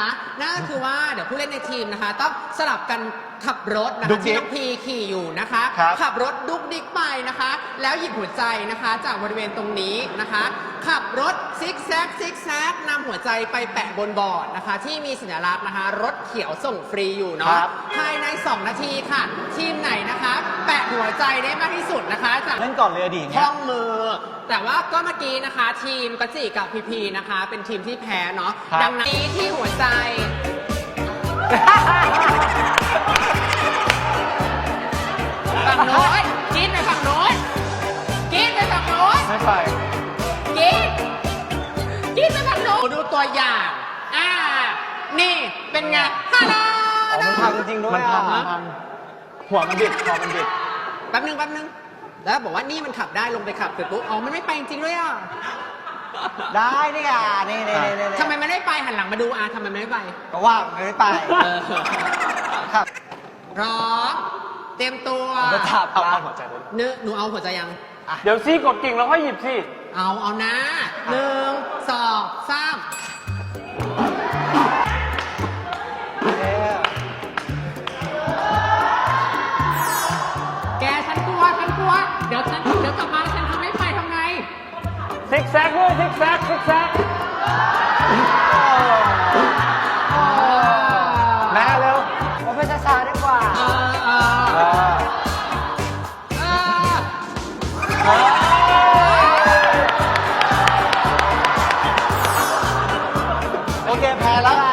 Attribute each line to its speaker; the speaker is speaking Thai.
Speaker 1: นะคะนั่นก็คือว่าเดี๋ยวผู้เล่นในทีมนะคะต้องสลับกันขับรถนะคะที่น้องพีขี่อยู่นะคะขับรถดุกดิกไปนะคะแล้วหยิบหัวใจนะคะจากบริเวณตรงนี้นะคะขับรถซิกแซกนำหัวใจไปแปะบนบอร์ดนะคะที่มีสัญลักษณ์นะคะรถเขียวส่งฟรีอยู่เนาะภายใน2 นาทีค่ะทีมไหนนะคะแปะหัวใจได้มากที่สุดนะคะจาก
Speaker 2: เล่นก่อนเลยดิค
Speaker 1: ล้องมือแต่ว่าก็เมื่อกี้นะคะทีมกัจจิกับพีพีนะคะเป็นทีมที่แพ้เนาะดังนั้นที่หัวใจฝั่งโน้นกินไปฝั่งโน้นกินไปฝั่งโน้น
Speaker 2: ไม่ไป
Speaker 1: กินไปฝั่งโน้นดูตัวอย่างนี่เป็นไงฮัลโหล
Speaker 2: มันพังจริงด้วยมันพังหัวมันบิดคอมันบิด
Speaker 1: แป๊บนึงแล้วบอกว่านี่มันขับได้ลงไปขับเสร็จปุ๊บมันไม่ไปจริงด้วย
Speaker 2: ได้นี่อ่ะนี่
Speaker 1: ทำไมไม่ได้ไปหันหลังมาดูทำไมไม่ไป
Speaker 2: ก็ว่าไม่ไปครับ
Speaker 1: พร้อมเตรียมตัว
Speaker 2: จะถับเอาหัวใจ
Speaker 1: หนูเอาหัวใจยัง
Speaker 2: เดี๋ยวซี่กดกิ่งแล้วค่อยหยิบสิ
Speaker 1: เอานะ1 2 3แกฉันกลัวเดี๋ยวกลับมาแล้วฉันทำไม่ไปทำไง
Speaker 2: ซิกแซกด้วยซิกแซกแม่เร็วเราไปช้าๆดีกว่าโอเคแพ้แล้ว